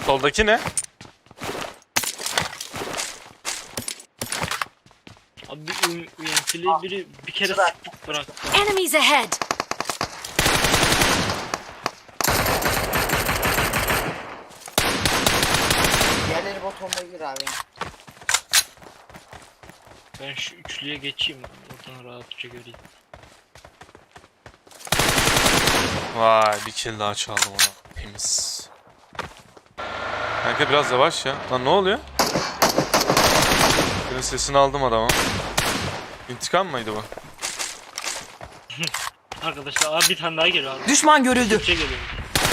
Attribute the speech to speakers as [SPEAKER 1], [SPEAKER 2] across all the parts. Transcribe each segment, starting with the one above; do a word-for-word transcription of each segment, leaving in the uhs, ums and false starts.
[SPEAKER 1] Soldaki ne?
[SPEAKER 2] Abi bir uyantili biri bir kere sıkıp bıraktı.
[SPEAKER 3] Enemies ahead!
[SPEAKER 4] Diğerleri bot olmayabilir abi.
[SPEAKER 2] Ben şu üçlüye geçeyim. Oradan rahatça göreyim.
[SPEAKER 1] Vay bir kill daha çaldım ona. Temiz. Kanka biraz yavaş ya. Lan ne oluyor? Senin sesini aldım adama. İntikam mıydı bu?
[SPEAKER 2] Arkadaşlar abi bir tane daha geliyor abi.
[SPEAKER 3] Düşman görüldü.
[SPEAKER 2] Türkçe geliyor.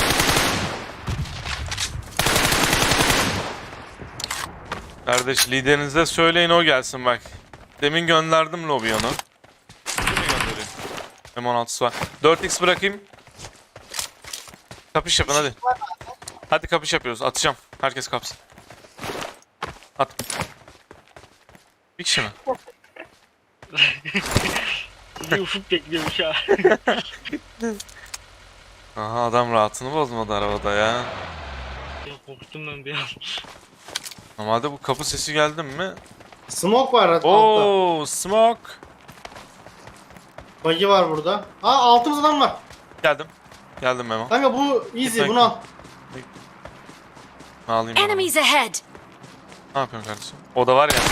[SPEAKER 1] Kardeş liderinize söyleyin o gelsin bak. Demin gönderdim lobi onu. Kimi göndereyim? M on altısı var. dört x bırakayım. Kapış yapın hadi. Hadi kapış yapıyoruz. Atacağım. Herkes kapsın. At. Bir kişi mi?
[SPEAKER 2] Bir ufuk bekliyormuş ha.
[SPEAKER 1] Aha adam rahatını bozmadı arabada ya.
[SPEAKER 2] Ya korktum ben bir an.
[SPEAKER 1] Normalde bu kapı sesi geldi mi?
[SPEAKER 5] Smoke var altta.
[SPEAKER 1] Oo, smoke.
[SPEAKER 5] Buggy var burada. Aa altımız adam var.
[SPEAKER 1] Geldim. Geldim Memo.
[SPEAKER 5] Kanka bu easy,
[SPEAKER 1] Gitmek
[SPEAKER 5] bunu al.
[SPEAKER 1] Alayım ben onu.
[SPEAKER 3] Enemies ahead!
[SPEAKER 1] Ne yapıyorsun kardeşim? O da var ya.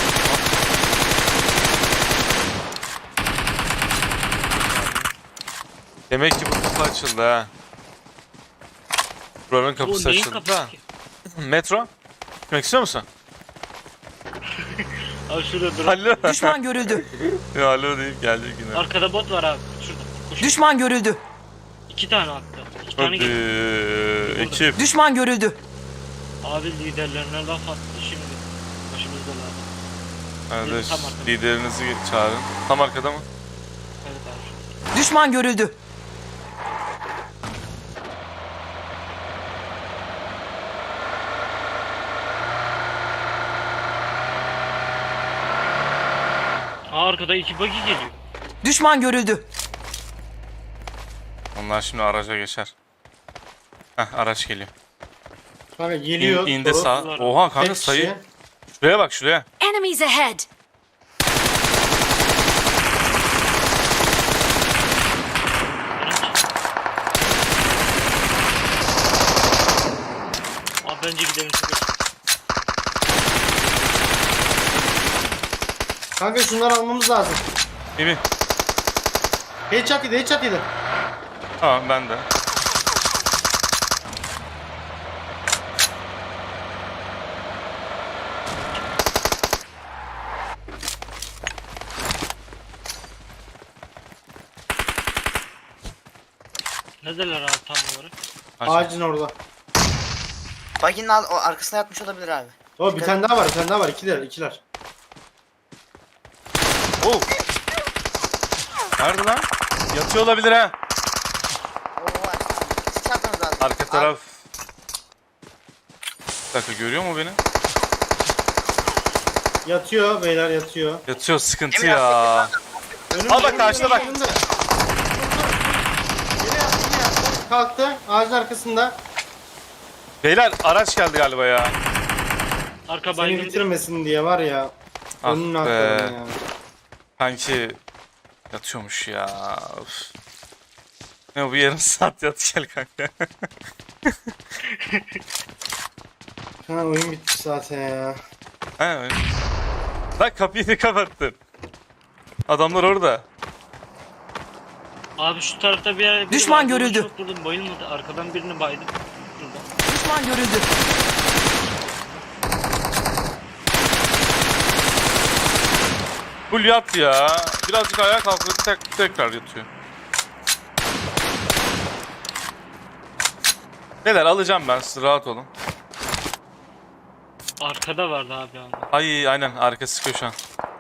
[SPEAKER 1] Demek ki bu kapı açıldı ha. Buranın kapısı
[SPEAKER 2] Bu neyin
[SPEAKER 1] açıldı
[SPEAKER 2] kapısı
[SPEAKER 1] da.
[SPEAKER 2] ki?
[SPEAKER 1] Metro. Gitmek istiyor musun?
[SPEAKER 2] Abi şurada dur.
[SPEAKER 1] Alo.
[SPEAKER 3] Düşman görüldü.
[SPEAKER 1] Ya alo deyip gelecek yine.
[SPEAKER 2] Arkada bot var abi. Şurada. Koş.
[SPEAKER 3] Düşman görüldü.
[SPEAKER 2] İki tane hatta. İki tane
[SPEAKER 1] Hadi
[SPEAKER 2] geliyor.
[SPEAKER 1] ekip.
[SPEAKER 3] Düşman görüldü.
[SPEAKER 2] Abi liderlerine laf attı şimdi. Başımızdalar.
[SPEAKER 1] Kardeş
[SPEAKER 2] Tam arkada.
[SPEAKER 1] liderinizi çağırın. Tam arkada mı?
[SPEAKER 2] Evet abi.
[SPEAKER 3] Düşman görüldü.
[SPEAKER 2] Aa, arkada iki buggy geliyor.
[SPEAKER 3] Düşman görüldü.
[SPEAKER 1] Onlar şimdi araca geçer. Heh araç geliyor.
[SPEAKER 5] Kanka
[SPEAKER 1] İn,
[SPEAKER 5] geliyor.
[SPEAKER 1] indi
[SPEAKER 5] Doğru.
[SPEAKER 1] sağ. Oha kanka
[SPEAKER 5] Tek
[SPEAKER 1] sayı.
[SPEAKER 5] kişi.
[SPEAKER 1] Şuraya bak şuraya.
[SPEAKER 3] Enemies ahead!
[SPEAKER 2] Abi bence gidelim çünkü.
[SPEAKER 5] Kanka şunları almamız lazım.
[SPEAKER 1] İyi mi?
[SPEAKER 5] Headshot yedi, headshot yedi.
[SPEAKER 1] Tamam ben de.
[SPEAKER 2] Neredeler abi tam olarak?
[SPEAKER 1] Aç.
[SPEAKER 5] Ağacın orada.
[SPEAKER 4] Buggy'nin al- o arkasına yatmış olabilir abi.
[SPEAKER 5] O bir tane daha var, bir tane daha var. İkiler, ikiler.
[SPEAKER 1] Oo. Nerede lan? Yatıyor olabilir ha.
[SPEAKER 4] Oo var. Siz çarptınız abi.
[SPEAKER 1] Arka taraf. Bir dakika görüyor mu beni?
[SPEAKER 5] Yatıyor beyler, yatıyor.
[SPEAKER 1] Yatıyor sıkıntı
[SPEAKER 4] Emin
[SPEAKER 1] ya.
[SPEAKER 5] Önümde,
[SPEAKER 1] Al bak,
[SPEAKER 5] önümde,
[SPEAKER 1] karşıda bak.
[SPEAKER 5] önümde. Geri yattı, geri yattı. Kalktı, ağacın arkasında.
[SPEAKER 1] Beyler araç geldi galiba ya.
[SPEAKER 2] Arka
[SPEAKER 5] Seni
[SPEAKER 2] baygın.
[SPEAKER 5] bitirmesin diye var ya.
[SPEAKER 1] Ah
[SPEAKER 5] Önünü
[SPEAKER 1] be.
[SPEAKER 5] atladım ya.
[SPEAKER 1] Kanki yatıyormuş ya. Of. Ne bu yarım saat yat gel kanka.
[SPEAKER 5] Ha oyun bitti zaten ya.
[SPEAKER 1] He öyle. Lan kapıyı da kapattın. Adamlar orada.
[SPEAKER 2] Abi şu tarafta bir yer.
[SPEAKER 3] Düşman görüldü.
[SPEAKER 2] Çok vurdum bayılmadı. Arkadan birini baydım. Şurada.
[SPEAKER 3] Düşman görüldü.
[SPEAKER 1] Full yat ya. Birazcık ayağa kalkıyor tek, tekrar yatıyor. Neler alacağım ben siz rahat olun.
[SPEAKER 2] Arkada vardı abi ama.
[SPEAKER 1] Ay aynen arka sıkıyor şu an.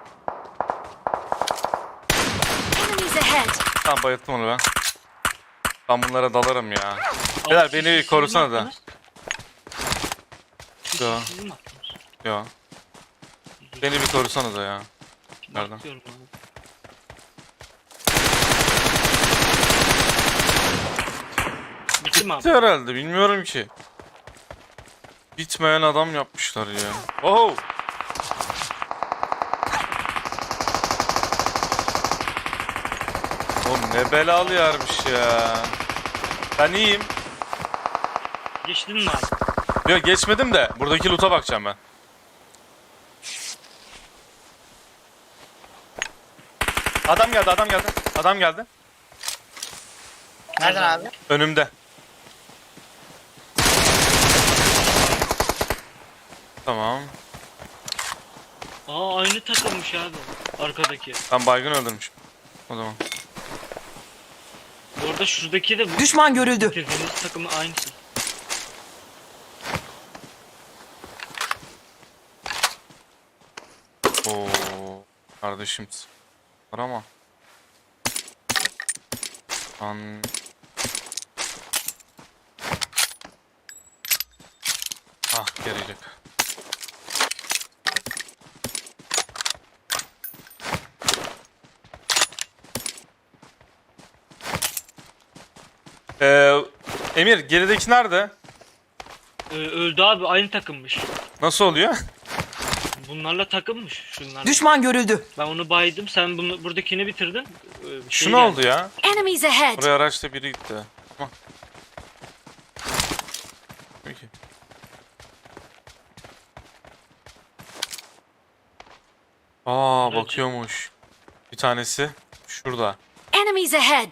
[SPEAKER 3] Enemies ahead!
[SPEAKER 1] Tamam bayılttım onu ben. Ben bunlara dalarım ya. Beyler
[SPEAKER 2] Abi,
[SPEAKER 1] beni
[SPEAKER 2] siz- siz
[SPEAKER 1] korusana
[SPEAKER 2] mi
[SPEAKER 1] da.
[SPEAKER 2] attınız? Siz-
[SPEAKER 1] Yo.
[SPEAKER 2] siz mi attınız?
[SPEAKER 1] Yo. Beni bir korusana da ya. Nereden?
[SPEAKER 2] Bakıyorum abi. Bitti mi abi?
[SPEAKER 1] Bitti herhalde bilmiyorum ki. Bitmeyen adam yapmışlar ya. Oh! Oğlum ne belalı yermiş ya. Ben iyiyim.
[SPEAKER 2] Geçtin mi abi?
[SPEAKER 1] Yok geçmedim de buradaki loot'a bakacağım ben. Adam geldi, adam geldi. Adam geldi.
[SPEAKER 4] Nereden abi?
[SPEAKER 1] Önümde. Tamam.
[SPEAKER 2] Aa aynı takılmış abi. Arkadaki.
[SPEAKER 1] Ben baygın öldürmüşüm. O zaman.
[SPEAKER 2] Bu arada şuradaki de bu.
[SPEAKER 3] Düşman görüldü.
[SPEAKER 2] Bitirdiğimiz takımı aynısı.
[SPEAKER 1] Oo, kardeşim. Var ama. An. Ah gelecek. Ee, Emir gerideki nerede?
[SPEAKER 2] Ee, öldü abi, aynı takımmış.
[SPEAKER 1] Nasıl oluyor?
[SPEAKER 2] Bunlarla takımmış şunlar.
[SPEAKER 3] Düşman görüldü.
[SPEAKER 2] Ben onu baydım, sen bunu buradakini bitirdin. Ee, bir
[SPEAKER 1] Şu
[SPEAKER 2] şey
[SPEAKER 1] ne
[SPEAKER 2] geldi.
[SPEAKER 1] oldu ya?
[SPEAKER 3] Enemies ahead.
[SPEAKER 1] Oraya araçta biri gitti. Tamam. Peki. Aa
[SPEAKER 2] Evet.
[SPEAKER 1] bakıyormuş. Bir tanesi şurada.
[SPEAKER 3] Enemies ahead.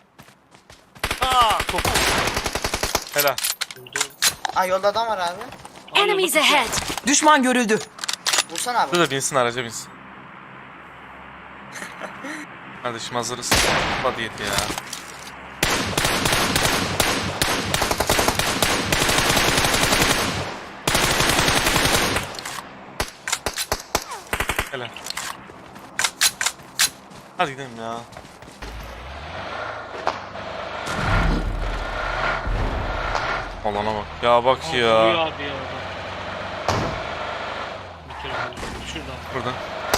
[SPEAKER 1] Aa top. Helal.
[SPEAKER 2] Öldü.
[SPEAKER 4] Aa yolda adam var abi.
[SPEAKER 2] Aa,
[SPEAKER 3] Enemies
[SPEAKER 2] yolda
[SPEAKER 3] ahead. Düşman görüldü.
[SPEAKER 4] Vursana abi.
[SPEAKER 1] Şurada binsin araca binsin. Kardeşim hazırız. Hadi yet ya. Helal. Hadi gidelim ya. Alana bak. Ya bak
[SPEAKER 2] Aa,
[SPEAKER 1] ya.
[SPEAKER 2] vuruyor abi ya orada. Bitirdim. Şurada.
[SPEAKER 1] Burada.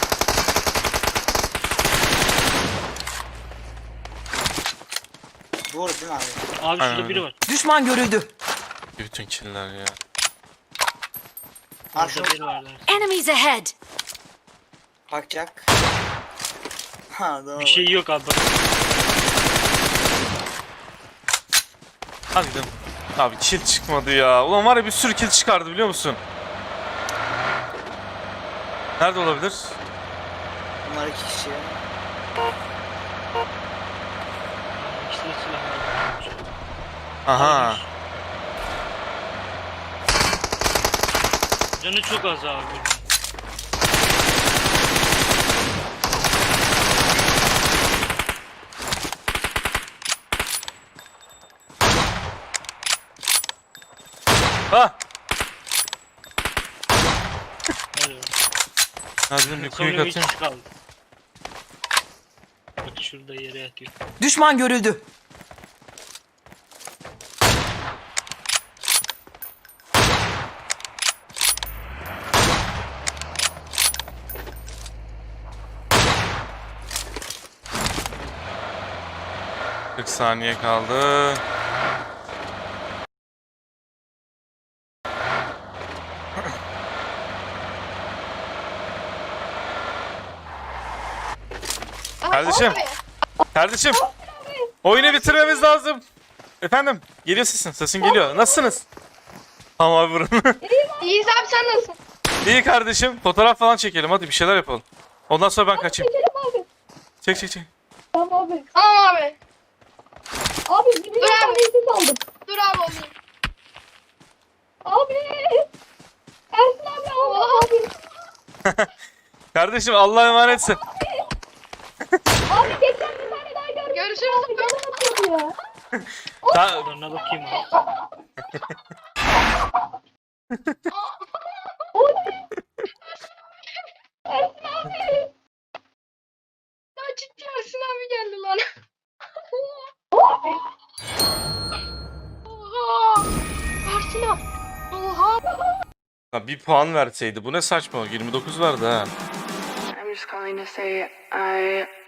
[SPEAKER 4] Doğru değil mi abi?
[SPEAKER 2] Abi
[SPEAKER 1] Aynen
[SPEAKER 2] şurada biri
[SPEAKER 1] öyle.
[SPEAKER 2] var.
[SPEAKER 3] Düşman görüldü.
[SPEAKER 1] Bütün killer ya.
[SPEAKER 4] Ha şu
[SPEAKER 2] Şurada biri var der.
[SPEAKER 3] Enemies ahead.
[SPEAKER 4] kalkacak. Ha doğru.
[SPEAKER 2] Bir şey yok abi. Bak.
[SPEAKER 1] Hadi gidelim. Abi kill çıkmadı ya. Ulan var ya bir sürü kill çıkardı biliyor musun? Nerede olabilir?
[SPEAKER 4] Bunlar iki kişi.
[SPEAKER 2] İşte silahlar.
[SPEAKER 1] Aha.
[SPEAKER 2] Canı çok az abi.
[SPEAKER 1] Ha.
[SPEAKER 2] Hadi.
[SPEAKER 1] Ya dedim bir
[SPEAKER 2] Sonra
[SPEAKER 1] quick
[SPEAKER 2] bir
[SPEAKER 1] atayım.
[SPEAKER 2] kişi kaldı. Bak şurada yere yatıyor.
[SPEAKER 3] Düşman görüldü.
[SPEAKER 1] kırk saniye kaldı. Kardeşim. Kardeşim. Oyunu bitirmemiz lazım. Efendim. Geliyor sesin. Sesin geliyor. Nasılsınız? Tamam abi vurun.
[SPEAKER 6] İyiyiz abi, sen nasılsın?
[SPEAKER 1] İyi kardeşim. Fotoğraf falan çekelim. Hadi bir şeyler yapalım. Ondan sonra ben kaçayım.
[SPEAKER 6] Çekelim abi.
[SPEAKER 1] Çek çek çek.
[SPEAKER 6] Tamam abi. Tamam abi. Abi bir milyon tanesiz aldım. Dur abi olayım. Abi. Ersin abi Allah abi.
[SPEAKER 1] Kardeşim Allah'a emanetsin.
[SPEAKER 6] Abi geçen bir tane daha gördüm. Görüşürüz. Bana atıyordu ya.
[SPEAKER 1] Ta-
[SPEAKER 2] Şuralarına bakayım abi.
[SPEAKER 6] Ersin abi. Ya ciddi Ersin abi geldi lan. Oha. Ersin abi. Oha.
[SPEAKER 1] Ya bir puan verseydi. Bu ne saçma. yirmi dokuz verdi ha.
[SPEAKER 7] I'm just calling to say I